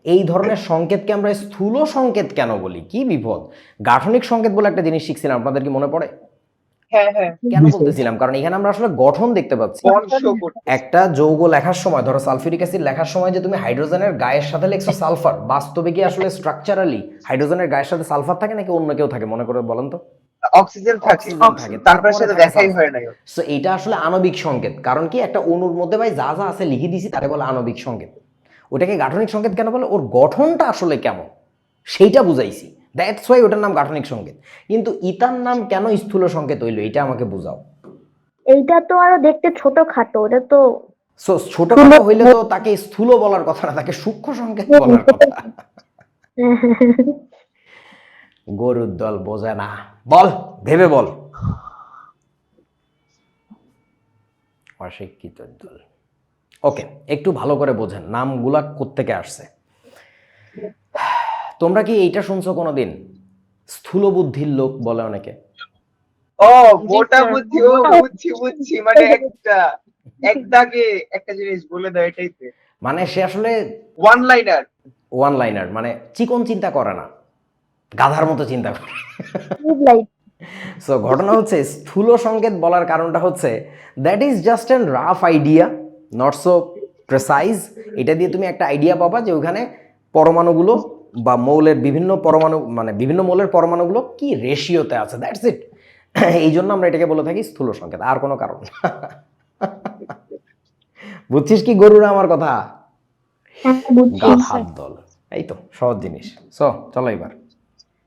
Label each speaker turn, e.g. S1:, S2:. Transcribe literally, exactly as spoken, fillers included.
S1: এই ধরনের সংকেতকে আমরা স্থূল সংকেত কেন বলি? কি বিপদ! গাঠনিক সংকেত বলে একটা জিনিস শিখছিলাম, আপনাদের কি মনে পড়ে?
S2: হ্যাঁ হ্যাঁ
S1: কেন বলতেছিলাম, কারণ এখানে আমরা আসলে গঠন দেখতে পাচ্ছি। একটা যৌগ লেখার সময়, ধরো সালফিউরিক অ্যাসিড লেখার সময় যে তুমি হাইড্রোজেনের গায়ের সাথে লিখছো সালফার, বাস্তবে কি আসলে স্ট্রাকচারালি হাইড্রোজেনের গায়ের সাথে সালফার থাকে নাকি অন্য কেউ থাকে? মনে করে বলেন তো।
S2: অক্সিজেন থাকে,
S1: অক্সিজেন থাকে,
S2: তারপরে
S1: তারপরে
S2: সেটা
S1: থাকে
S2: দেখাই
S1: সালফার।
S2: হয় না।
S1: সো এটা আসলে আণবিক সংকেত। কারণ কি, একটা অণুর মধ্যে ভাই যা যা আছে লিখে দিছি তারে বলে আণবিক সংকেত। ওটাকে গাঠনিক সংকেত কেন বলে? ওর গঠনটা আসলে কেমন সেইটা বুঝাইছি, দ্যাটস ওয়াই ওটার নাম গাঠনিক সংকেত। কিন্তু ইতার নাম কেন স্থূল সংকেত হইলো, এটা আমাকে বুঝাও।
S3: এইটা তো আরো দেখতে ছোট খাটো, ওটা তো
S1: সো ছোটখাটো হইলে তো তাকে স্থূল বলার কথা না, তাকে সূক্ষ্ম সংকেত বলার কথা। গরুর দল বোঝে না, বল ভেবে বল। অশিক্ষিত দল। ওকে, একটু ভালো করে বোঝেন নামগুলা কোত্থেকে আসছে। তোমরা কি এইটা শুনছো কোনোদিন? স্থূল বুদ্ধির লোক বলে অনেকে।
S2: ও মোটা বুদ্ধি, ও বুঝছি বুঝছি, মানে একটা এক দাগে একটা জিনিস বলে দেয়, এটাই তো।
S1: মানে সে আসলে
S2: ওয়ান লাইনার।
S1: ওয়ান লাইনার মানে চিকন চিন্তা করে না, গাধার মতো চিন্তা করে। সো ঘটনা হচ্ছে, স্থূল সংকেত বলার কারণটা হচ্ছে that is just an rough idea, not so precise. এটা দিয়ে তুমি একটা আইডিয়া পাবা যে ওখানে পরমাণুগুলো বা মৌলের বিভিন্ন পরমাণু, মানে বিভিন্ন মৌলের পরমাণুগুলো কি রেশিওতে আছে, দ্যাটস ইট। এই জন্য আমরা এটাকে বলে থাকি স্থূল সংকেত, আর কোনো কারণ না। বুঝছিস কি গরুরা আমার কথা? গাধার দল। এই তো সহজ জিনিস। সো চলো এবার